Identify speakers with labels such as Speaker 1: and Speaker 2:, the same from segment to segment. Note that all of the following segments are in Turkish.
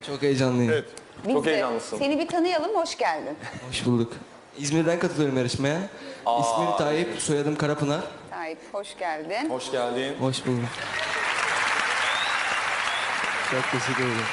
Speaker 1: Çok heyecanlıyım.
Speaker 2: Evet.
Speaker 3: Biz
Speaker 2: Çok
Speaker 3: de
Speaker 2: heyecanlısın.
Speaker 3: seni bir tanıyalım, hoş geldin.
Speaker 1: Hoş bulduk. İzmir'den katılıyorum yarışmaya. İsmim Tayyip, soyadım Karapınar.
Speaker 3: Tayyip, hoş geldin.
Speaker 2: Hoş geldin.
Speaker 1: Hoş bulduk. Çok teşekkür ederim.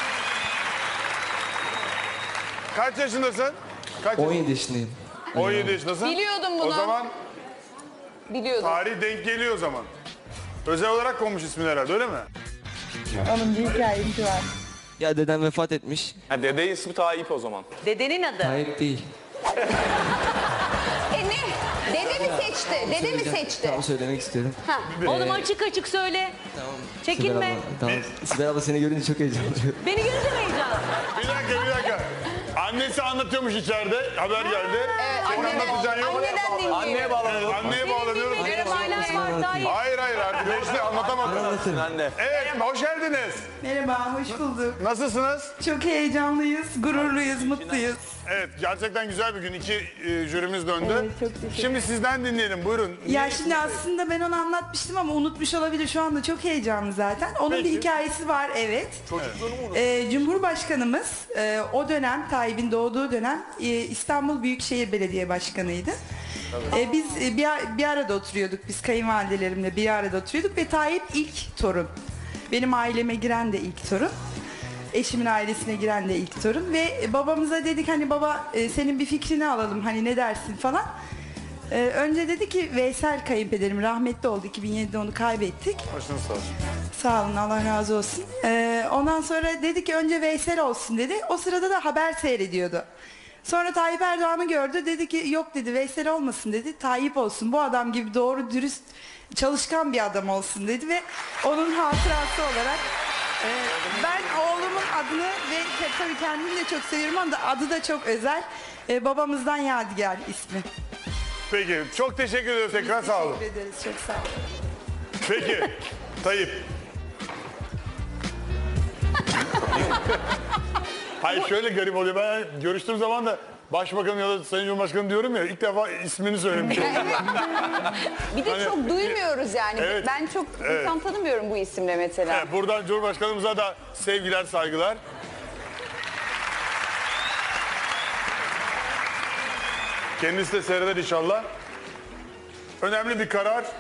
Speaker 2: Kaç yaşındasın?
Speaker 1: 17 yaşındayım.
Speaker 2: 17 yaşındasın.
Speaker 3: Biliyordum bunu.
Speaker 2: O zaman
Speaker 3: Biliyordum.
Speaker 2: tarih denk geliyor o zaman. Özel olarak konmuş ismin herhalde, öyle mi?
Speaker 3: Onun bir hikayesi var.
Speaker 1: Ya dedem vefat etmiş.
Speaker 2: Ha, dede ismi Tayyip o zaman.
Speaker 4: Dedenin adı.
Speaker 1: Tayyip değil.
Speaker 3: Ne? Dede mi seçti? Dede mi seçti?
Speaker 1: Tamam, söylemek istiyorum.
Speaker 4: Oğlum açık açık söyle.
Speaker 1: Tamam.
Speaker 4: Çekinme.
Speaker 1: Sibel abla, tamam. Sibel abla seni görünce çok heyecanlıyım.
Speaker 4: Beni görünce mi heyecan?
Speaker 2: Bir dakika. Annesi anlatıyormuş içeride, haber geldi. Senin anlatacağın yok.
Speaker 3: Anneden dinleyelim.
Speaker 2: Anneye bağlanıyoruz. Anneye bağlanıyoruz.
Speaker 4: Benim hala var Tayyip.
Speaker 2: Hayır artık. Beşte anlatamadım.
Speaker 1: Anlatırım.
Speaker 2: Evet, hoş geldiniz.
Speaker 5: Merhaba, hoş bulduk.
Speaker 2: Nasılsınız?
Speaker 5: Çok heyecanlıyız, gururluyuz, mutluyuz.
Speaker 2: Evet, gerçekten güzel bir gün. İki jürimiz döndü.
Speaker 5: Evet, çok teşekkür ederim.
Speaker 2: Şimdi sizden dinleyelim, buyurun.
Speaker 5: Ya şimdi aslında ben onu anlatmıştım ama unutmuş olabilir. Şu anda çok heyecanlı zaten. Onun
Speaker 2: Peki.
Speaker 5: bir hikayesi var, evet. Cumhurbaşkanımız o dönem, Tayyip'in doğduğu dönem İstanbul Büyükşehir Belediye Başkanı'ydı. Biz bir arada oturuyorduk, biz kayınvalidelerimle bir arada oturuyorduk ve Tayyip ilk torun. Benim aileme giren de ilk torun. Eşimin ailesine giren de ilk torun ve babamıza dedik hani baba senin bir fikrini alalım hani ne dersin falan. Önce dedi ki Veysel kayınpederim rahmetli oldu, 2007'de onu kaybettik.
Speaker 2: Başınız sağ olsun.
Speaker 5: Sağ olun, Allah razı olsun. Ondan sonra dedi ki önce Veysel olsun dedi. O sırada da haber seyrediyordu. Sonra Tayyip Erdoğan'ı gördü, dedi ki yok dedi Veysel olmasın dedi, Tayyip olsun, bu adam gibi doğru dürüst çalışkan bir adam olsun dedi ve onun hatırası olarak ben oğlumun adını ve tabii kendimi de çok seviyorum ama adı da çok özel, babamızdan Yadigar ismi.
Speaker 2: Peki, çok teşekkür ediyoruz tekrar, sağ olun.
Speaker 5: Teşekkür ederiz, çok sağ olun.
Speaker 2: Peki, Tayyip. Hayır, şöyle garip oluyor. Ben görüştüğüm zaman da Başbakan ya da Sayın Cumhurbaşkanı diyorum ya, ilk defa ismini söylemiş oldum.
Speaker 3: Bir de çok duymuyoruz yani.
Speaker 2: Evet.
Speaker 3: Ben çok insan tanımıyorum bu isimle mesela.
Speaker 2: Evet, buradan Cumhurbaşkanımıza da sevgiler, saygılar. Kendisi de seyreder inşallah. Önemli bir karar.